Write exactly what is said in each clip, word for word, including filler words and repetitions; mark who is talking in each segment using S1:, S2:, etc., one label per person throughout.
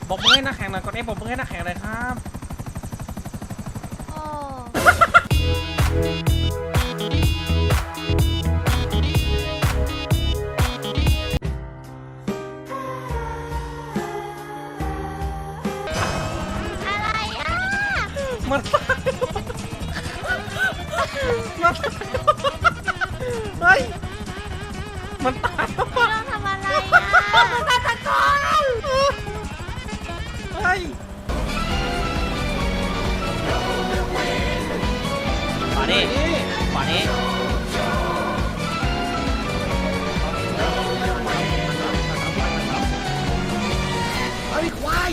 S1: ปรบมือให้นักแข่งหน่อยกดเอฟปรบมือให้นักแข่งเลยครับมันมันเฮ้ยมันตายแล้วไม่ต้องทำอะไรอ่ะมันตายตะกอนเฮ้ยมาดิมาดิไอ้ควาย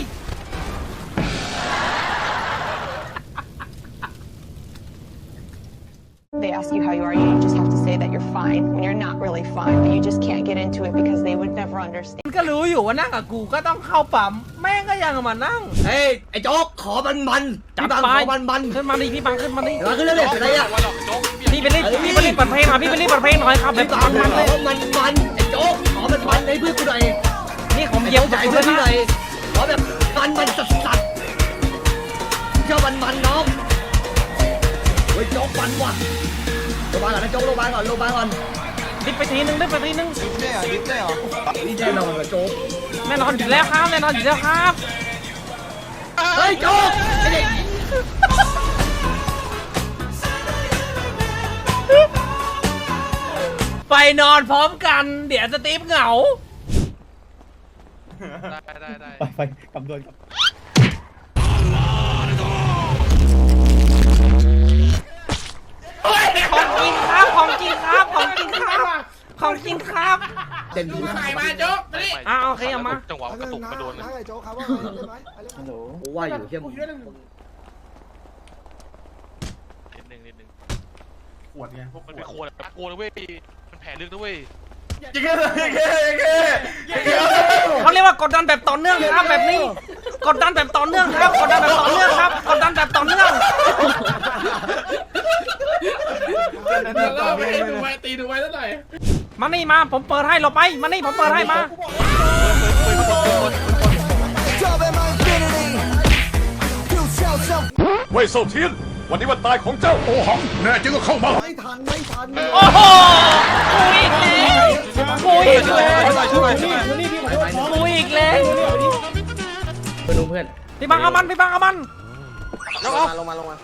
S2: They ask you how you are, you just have to say that you're fine when you're not really fine, but you just can't get into it because they would never understand.
S1: ก็รู้อยู่ว่านั่งกับกูก็ต้องเข้าปั๊มแม่งก็ยังมานั่ง
S3: เฮ้ยไอ้โจ๊กขอมันมันจับบังขอมันมัน
S1: ขึ้นมาดิพี่บังขึ้นมาดิ
S3: มาขึ้นเรื่อยๆอะไรอ่ะ
S1: พี่ไปรีบพี่ไปรีบเปิดเพลงหน่อยพี่ไปรีบเปิดเพลงหน่อยครับแบบมันมันเลย
S3: มันมันไอ้โจ๊กขอมันมันในเพื่อนกูหน่อย
S1: นี่ผมเยี่ยม
S3: ใหญ่เพื่อนพี่หน่อยขอแบบมันมันสัสสัสเจ้ามันมันน้องเฮ้ยโจ๊กมันว่ะโรงพยาบาลก่อนนะโจ๊กโรงพยาบาลก่อนโรงพยาบาลก่อน
S1: ดิบไปทีนึงดิบไปทีนึง
S4: ดิบได้เหรอดิบได้เหรอ
S3: นี่แน่นอนกับโจ๊ก
S1: แน่นอนอยู่แล้วครับแน่นอนอยู่แล้วครับ
S3: เฮ้ยโจ๊กไอ้เด็ก
S1: ไปนอนพร้อมกันเดี๋ยวสตีฟเหงา
S4: ได้ได้ได้
S5: ไปไปกำดวนกับ
S1: ของจริงครับของจริงครับของจริงครับของจริงครับ
S3: เด่นดีมาก
S4: มาโจ๊กมาดิ
S1: อ้าวโอเคเอามา
S4: จังหวะกระตุกกระโดนเลย
S5: โจ๊กครับว่าได้ไหมฮัลโหล
S3: ว่าอยู่เที่ยงนิด
S4: นึงนิดนึงขวดไงพวกมันเป็นขวดขวดเว้ยมันแผลลึกนะเว้ยยิงเลยยิงเลยยิงเลย
S1: เขาเรียกว่ากดดันแบบต่อเนื่องครับแบบนี้กดดันแบบต่อเนื่องครับกดดันแบบต่อเนื่องครับกดดันแบบต่อเนื่อง
S4: ตีดูไว้ตีดูไว้แล้วหน่อย
S1: มานี่มาผมเปิดให้เราไปมานี่ผมเปิดให้มา
S6: เว่ยเซาเทียนวันนี้วันตายของเจ้าโอหังแน่จริงก็เข้ามา
S5: ไม่ทันไม่ทัน
S1: โอ้โหกูอีกแล้วกูอีกแล้วกูอีกแล้ว
S3: เพื่อนเพื่อน
S1: พี่บังเอามันพี่บังเอามัน
S3: ลงมาลงมาลงมา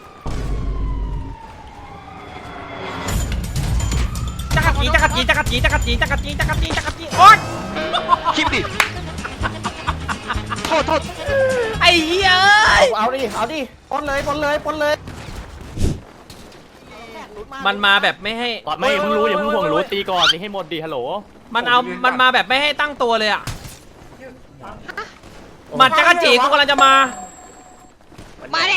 S1: จักรจีจักรจีจักรจีจักรจีจักรจีจักรจีจักรจีโอ๊ย
S4: คลิปดิโทษโทษ
S1: ไอ้เหี้ย
S3: เอาดิเอาดิปนเลยปนเลยปนเลย
S1: มันมาแบบไม่ให้
S7: ไม่เพิ่งรู้อย่าเพิ่งห่วงรู้ตีก่อนตีให้หมดดีฮัลโหล
S1: มันเอามันมาแบบไม่ให้ตั้งตัวเลยอ่ะมันจักรจีกูกำลังจะมา
S2: มาดิ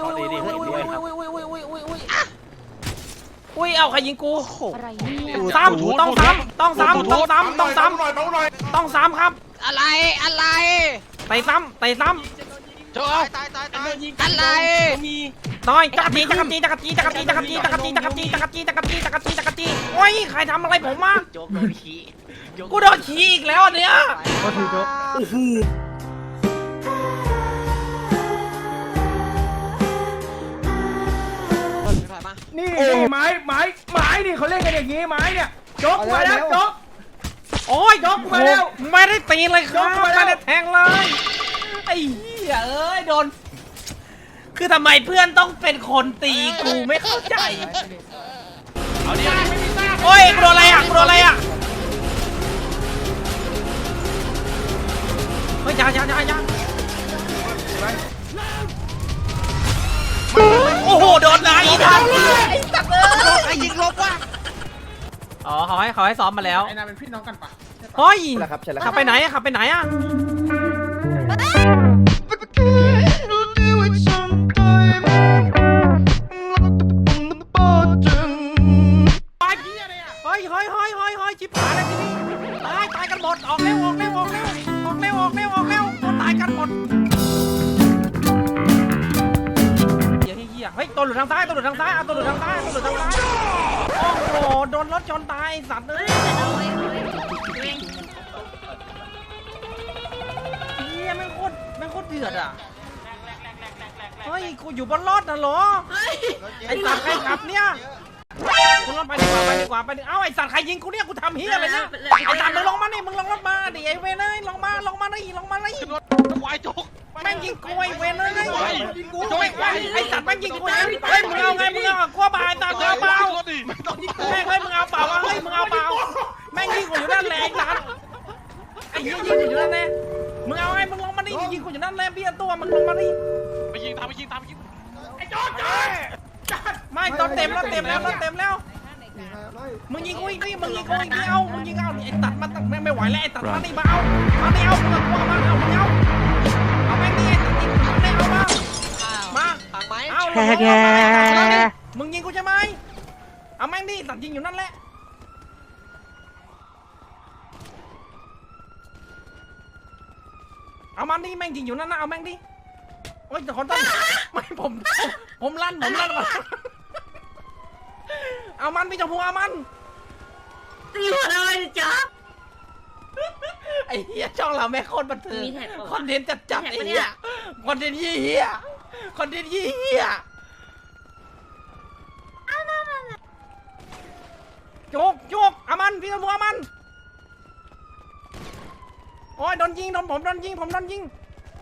S1: อุ้ยเอาใครยิงกูซ้ำต้องซ้ำต้องซ้ำต้องซ้ำต้องซ้ำต้องซ้ำครับ
S2: อะไรอะไร
S1: ไปซ้ำไปซ้ำ
S4: โจ๊กตายตายตาย
S2: อะไร
S1: น้อยจักรจีจักรจีจักรจีจักรจีจักรจีจักรจีจักรจีจักรจีจักรจีจักรจีจักรจีโอ้ยใครทำอะไรผมมา
S2: โจ๊กโดนขี้
S1: กูโดนขี้อีกแล้วอันเนี้ย
S3: ก็ถือโจ๊กโอ้โห
S5: นี่ไม้ไม้ไม้นี่เขาเล่นกันอย่างนี้ไม้เนี่ยโจ๊กมาแล้วโจ๊ก
S1: โอ้ยโจ๊กมาแล้วไม่ได้ตีเลยครับไม่ได้แทงเลยไอ้เหี้ยเอ้ยโดนคือทำไมเพื่อนต้องเป็นคนตีกูไม่เข้าใจ
S4: เอาดิ
S1: โอ้ยกูโดนอะไรอ่ะกูโดนอะไรอ่ะเฮ้ยอย่าอย่าอย่าอย่าโอ้โหโดนอะไรทันไอ้สัตว์เอ้ย
S2: ไอ้ยิงลบว่ะ
S1: อ๋อเขาให้เขาให้ซ้อมมาแล้ว
S4: ไอ้นาเป็นพี่น้องกันปะ
S1: เฮ้ย
S3: ขั
S1: บไปไหนขับไปไหนอ่ะเฮ้ยเฮ้ยเฮ้ยเฮ้ยเฮ้ยจิบหายแล้วทีนี้ตายตายกันหมดออกเร็วออกเร็วออกเร็วออกเร็วออกเร็วออกเร็วตายกันหมดเฮียเฮียเฮ้ยตัวหลุดทางซ้ายตัวหลุดทางซ้ายตัวหลุดทางซ้ายตัวหลุดทางซ้ายโอ้โหโดนรถชนตายสัตว์เลยเฮียแม่งโคตรแม่งโคตรเดือดอ่ะเฮ้ยกูอยู่บนรถนะเหรอไอ้สัตว์ใครขับเนี่ยกูลงไปดีกว่าไปดีกว่าไปดีเอ้าไอ้สัตว์ใครยิงกูเนี่ยกูทำเฮียอะไรเนี่ยไอ้สัตว์มึงลงมานี่มึงลงรถมาดิไอ้เวนเอ้ยลงมาลงมานี่ลงมานี่
S4: ขึ้นรถควายโจ๊ก
S1: แม่งยิงกูไอ้เวนเอ้ยโจ้ยไอ้สัตว์แม่งยิงกูเฮ้ยมึงเอาไงมึงเอากลัวบาไอ้สัตว์เอาเปล่า
S4: ขึ้นรถดิ
S1: แม่งเฮ้ยมึงเอาเปล่าวะเฮ้ยมึงเอาเปล่าแม่งยิงกูอยู่นั่นแหละไอ้สัตว์ไอ้เหี้ยยิงกูอยู่นั่นแหละมึงเอาไงมึงลงมานี่ยิงกูอยู่นั่นแหละเบี้ยตัวมึงลงมานี่
S4: ไปยิงตามไปยิงตามไปยิง
S1: ไม่ตอนเต็มแล้วเต็มแล้วเต็มแล้วมึงยิงกูอีกนี่มึงยิงกูอีกนี่เอามึงยิงเอาไอ้ตัดมันตัดแม่งไม่ไหวแล้วไอ้ตัดมันนี่มาเอามานี่เอามึงกลัวมาเอามึงเอาเอาแม่งนี่ไอ้ตัดยิงมึงได้เอามามาเอาแกมึงยิงกูใช่ไหมเอาแม่งนี่ตัดยิงอยู่นั่นแหละเอามันนี่แม่งยิงอยู่นั่นนะเอาแม่งดิโอ้ยแต่คนต้นไม่ผมผมลั่นผมลั่นก่อนเอามันพี่จมูกเอามันตีหัวเลยจ๊ะไอ้เหี้ยช่องเราแม่งโคตรบันเทิงคอนเทนต์จัดจัดไอ้เหี้ยคอนเทนต์เหี้ยคอนเทนต์เหี้ยโจกโจกเอามันพี่จมูกเอามันโอ้ยโดนยิงโดนผมโดนยิงผมโดนยิง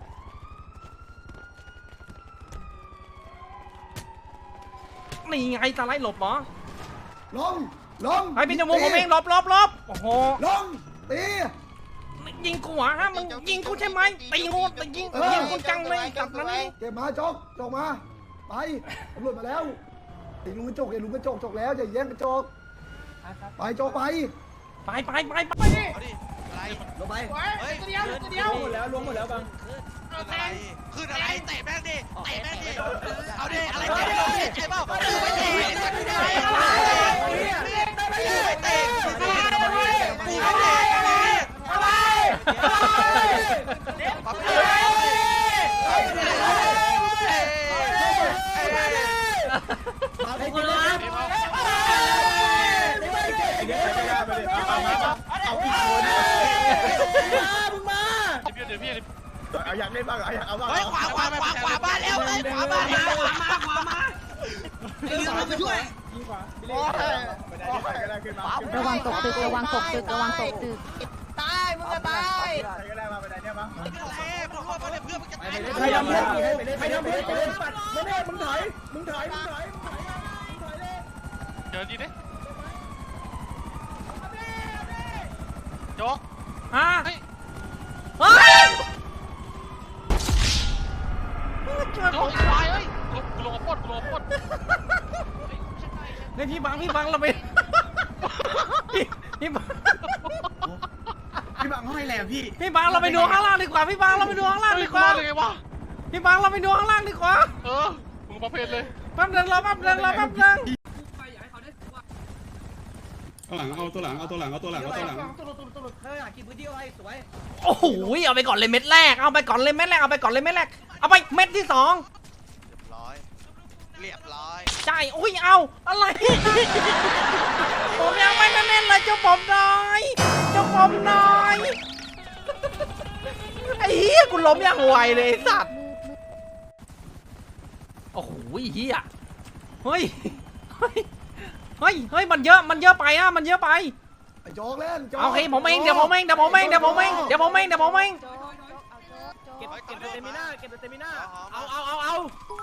S1: นี่ไงตาไล่หลบเหรอ
S3: ลงลง
S1: ไอ้พี่จมูกผมเองหลบหลบหลบโอ้โห
S3: ลงตี
S1: ยิงกูเหรอฮะมึงยิงกูใช่ไหมตีกูตียิงยิงกูจังเลยกลับมานี่
S3: เก็บมาจกจกมาไปตำรวจมาแล้วไอ้ลุงกระจกไอ้ลุงกระจกจกแล้วอย่าแย่งกระจกไปจกไป
S1: ไปไปไปไปนี่
S4: เอาดิอะไร
S3: ลงไป
S4: เฮ้ย
S1: เดียวเดียว
S5: หมดแล้วล้วงหมดแล้วบัง
S4: ขึ้นอะไรขึ้นอะไรเตะแม่งดิเตะแม่งดิเอาดิอะไรเตะเตะเปล่าไม่เตะไม่เตะไม่เตะกูไม่เตะอะไรปั๊บเลย
S3: มาให้กินเลย
S5: เอาอีกคนมึงมา
S4: เดี๋ยวเดี๋ยวพี่
S5: เอาอยากเล่นบ้างอยากเอาบ้าง
S4: เฮ้ยขวาขวาขวาขวาบ้านแล้วเฮ้ยขวาบ้านแล้วขวามาขวามาเรื่องมาช่วย
S5: ยิงขวาไปเลยไปได้ก็ได้ขึ้นมา
S8: ระวังตกตึกระวังตกตึกระวังตกตึก
S3: ตายมึงจะตาย
S5: ก็ได้มาไปได้เนี่ยมั้ง
S4: เอ้มึงรู้ว่าเพื่อนมึงจะตาย
S5: ใครทำเพื่อนใครทำเพื่อนไปเล่นปัดมึงเนี่ยมึงถอยมึงถอยมึงถอยมึงถอยมึงถอยเลย
S4: เดี๋ยวดีดิโจ๊ก
S1: ฮะ
S4: เฮ้ย
S1: เฮ้ย
S4: โจ๊กควายเฮ้ยกูลงกับปดกูลงกับปด
S1: ในพี่บังพี่บังเราไปพี่พี่บัง
S5: พี่บังให้แหละพี่
S1: พี่บังเราไปดูข้างล่างดีกว่าพี่บังเราไปดูข้างล่างดีกว่า
S4: เลยไงวะ
S1: พี่บังเราไปดูข้างล่างดีกว่า
S4: เออมึงประเภทเลย
S1: แป๊บนึงรอแป๊บนึงรอแป๊บนึง
S6: เอาหลัง เอาตัวหลัง เอาตัวหลัง เอาตัวหลัง เอาตัวหลัง
S3: ตุลุตุลุตุลุเฮ้ยกินพื้นที่ไว้สวย
S1: โอ้โหเอาไปก่อนเลยเม็ดแรกเอาไปก่อนเลยเม็ดแรกเอาไปก่อนเลยเม็ดแรกเอาไปเม็ดที่สอง
S4: ร้อยเรียบร้อย
S1: ใช่อุ้ยเอาอะไรผมยังไม่ได้เล่นเลยเจ้าผมหน่อยเจ้าผมหน่อยไอ้เหี้ยกูล้มอย่างไวเลยไอ้สัตว์โอ้โหเหี้ยเฮ้ยเฮ้ยเฮ้ยเฮ้ยมันเยอะมันเยอะไปอะมันเยอะไป
S3: ไอ้โจ๊กเล่น
S1: โอเคผมเองเดี๋ยวผมเองเดี๋ยวผมเองเดี๋ยวผมเองเดี๋ยวผมเองเดี๋ยวผมเอง
S4: เก็บเก็บเตมิน่าเก็บเตมิน่า
S1: เอาเอาเอาเอา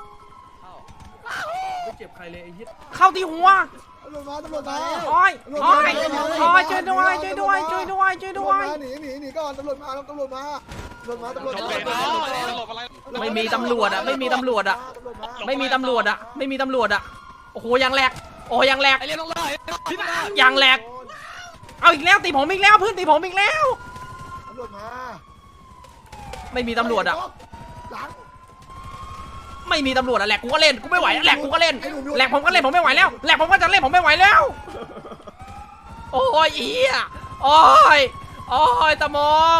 S5: ไม่เจ็บใครเลยไอ้เหี้ย
S1: เข้าที่หัว
S3: ตำรวจมาตำรวจมา
S1: โอ้ยโอ้ยโอ้ยช่วยด้วยช่วยด้วยช่วยด้วยช่วยด้วย
S3: หนีหนีหนีก่อนตำรวจมาตำรวจมาตำรวจมาตำรวจ
S4: จบ
S3: มา
S4: เลยนะตลกอะไร
S1: ไม่มีตำรวจอะไม่มีตำรวจอะไม่มีตำรวจอะไม่มีตำรวจอะโอ้โหยังแหลกโอ้ยังแหลก
S4: ไอเรียนลงเลยพี่บ้า
S1: ยังแหลกเอาอีกแล้วตีผมอีกแล้วเพื่อนตีผมอีกแล้ว
S3: ตำรวจมา
S1: ไม่มีตำรวจอะ
S3: หลัง
S1: ไม่มีตำรวจอะแหลกกูก็เล่นกูไม่ไหวแหลกกูก็เล่นแหลกผมก็เล่นผมไม่ไหวแล้วแหลกผมก็จะเล่นผมไม่ไหวแล้วโอ้ยอีอะโอ้ยโอ้ยตะมก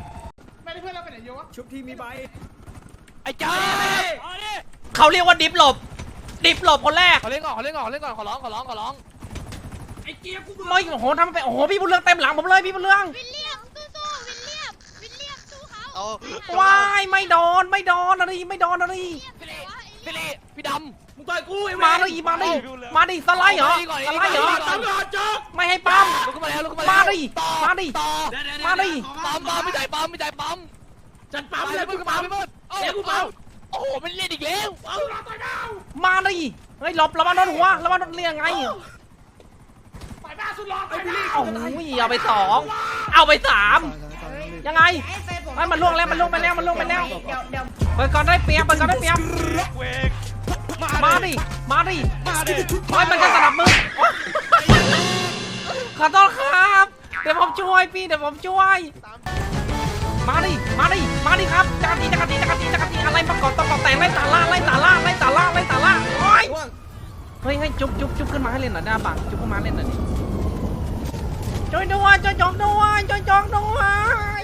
S5: ชุบที่มีใบ
S1: ไอ้จ้าเขาเรียกว่าดิฟหลบดิฟหลบคนแรก
S4: ขอเล่นก่อนขอเล่นก่อนขอเล่นก่อนขอร้องขอร้องขอร้อง
S1: ไม่โอ้โหทำไปโอ้โหพี่บุญเรืองเต็มหลังผมเลยพี่บุญเรือง
S8: วิลเลียมสู้ๆวิลเลียมวิลเลียมสู้เขา
S4: เอเอา
S1: ว้ายไม่โดนไม่โดนอะไรไม่โดนอะไร
S7: พี่ลี่พี่ดำ
S5: มึงต่อยกูไอ้
S1: มาดิมาดิมาดิสไลด์เหรอสไลด์เหรอ
S5: ตำรวจจ๊อก
S1: ไม่ให้ปั๊ม
S7: ลุกขึ้นมาแล้วลุกขึ้นมา
S1: มา
S7: แล้ว
S1: ดิ
S7: ต่อ
S1: มาดิ
S7: ต่อ
S1: มาดิ
S7: ปั๊มปั๊มไม่จ่ายปั๊มไม่จ่ายปั๊ม
S5: จัดปั๊มเลย
S7: กู
S5: กู
S7: ปั๊
S5: ปั๊
S7: ม
S5: ม
S7: ไม่หมด
S5: เดี๋ยวกูปั๊ม
S7: โอ้โหมันเล่นอีกแล้ว
S5: เอาเราต่อยดาว
S1: มาดิเฮ้ยหลบระวังโดนหัวระวังโดนเรียงไง
S5: ต่อยบ้าสุดหล่อไอ้พี่ลี่
S1: โอ้ยเอาไปสองเอาไปสามยังไงไอ้มันล่วงแล้วมันล่วงไปแล้วมันล่วงไปแล้วเปิดก่อนได้เปรียบเปิดก่อนได้เปรียบ
S4: เวก
S1: มาดิมาดิ
S4: มาดิ
S1: โอ้ยมันจะสนับมือขอโทษครับเดี๋ยวผมช่วยพี่เดี๋ยวผมช่วยมาดิมาดิมาดิครับจักรจีจักรจีจักรจีจักรจีอะไรประกอบต้องประแต่งไล่ตาล่าไล่ตาล่าไล่ตาล่าไล่ตาล่าโอ้ยเฮ้ยให้จุ๊บจุ๊บจุ๊บขึ้นมาให้เล่นหน่อยหน้าบังจุ๊บขึ้นมาเล่นหน่อยดิช่วยด้วยช่วยจอกด้วยช่วยจอกด้วย